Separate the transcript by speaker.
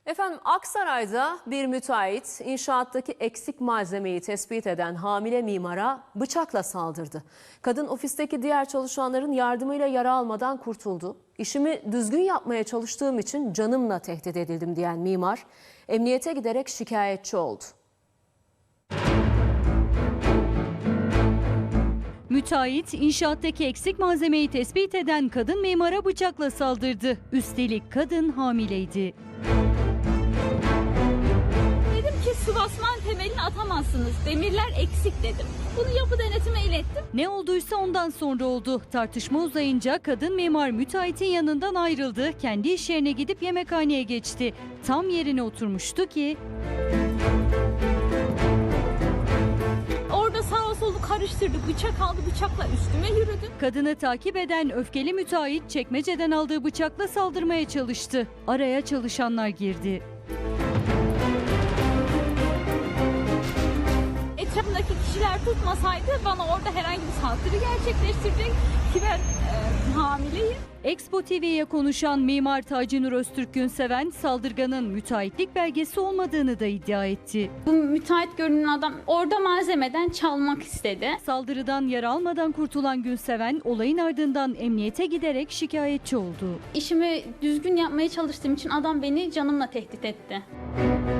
Speaker 1: Efendim Aksaray'da bir müteahhit inşaattaki eksik malzemeyi tespit eden hamile mimara bıçakla saldırdı. Kadın ofisteki diğer çalışanların yardımıyla yara almadan kurtuldu. İşimi düzgün yapmaya çalıştığım için canımla tehdit edildim diyen mimar emniyete giderek şikayetçi oldu.
Speaker 2: Müteahhit inşaattaki eksik malzemeyi tespit eden kadın mimara bıçakla saldırdı. Üstelik kadın hamileydi.
Speaker 3: Dedim ki sıvasman temelini atamazsınız. Demirler eksik dedim. Bunu yapı denetime ilettim.
Speaker 2: Ne olduysa ondan sonra oldu. Tartışma uzayınca kadın mimar müteahhitin yanından ayrıldı. Kendi iş yerine gidip yemekhaneye geçti. Tam yerine oturmuştu ki
Speaker 3: Orada sağa solu karıştırdı. Bıçak aldı, bıçakla üstüme yürüdü.
Speaker 2: kadını takip eden öfkeli müteahhit çekmeceden aldığı bıçakla saldırmaya çalıştı. Araya çalışanlar girdi.
Speaker 3: Etrafındaki kişiler tutmasaydı bana orada herhangi bir saldırı gerçekleştirecek ki ben hamileyim.
Speaker 2: Expo TV'ye konuşan mimar Taci Nur Öztürk Günseven saldırganın müteahhitlik belgesi olmadığını da iddia etti.
Speaker 3: Bu müteahhit görünen adam orada malzemeden çalmak istedi.
Speaker 2: Saldırıdan yara almadan kurtulan Günseven olayın ardından emniyete giderek şikayetçi oldu.
Speaker 3: İşimi düzgün yapmaya çalıştığım için adam beni canımla tehdit etti.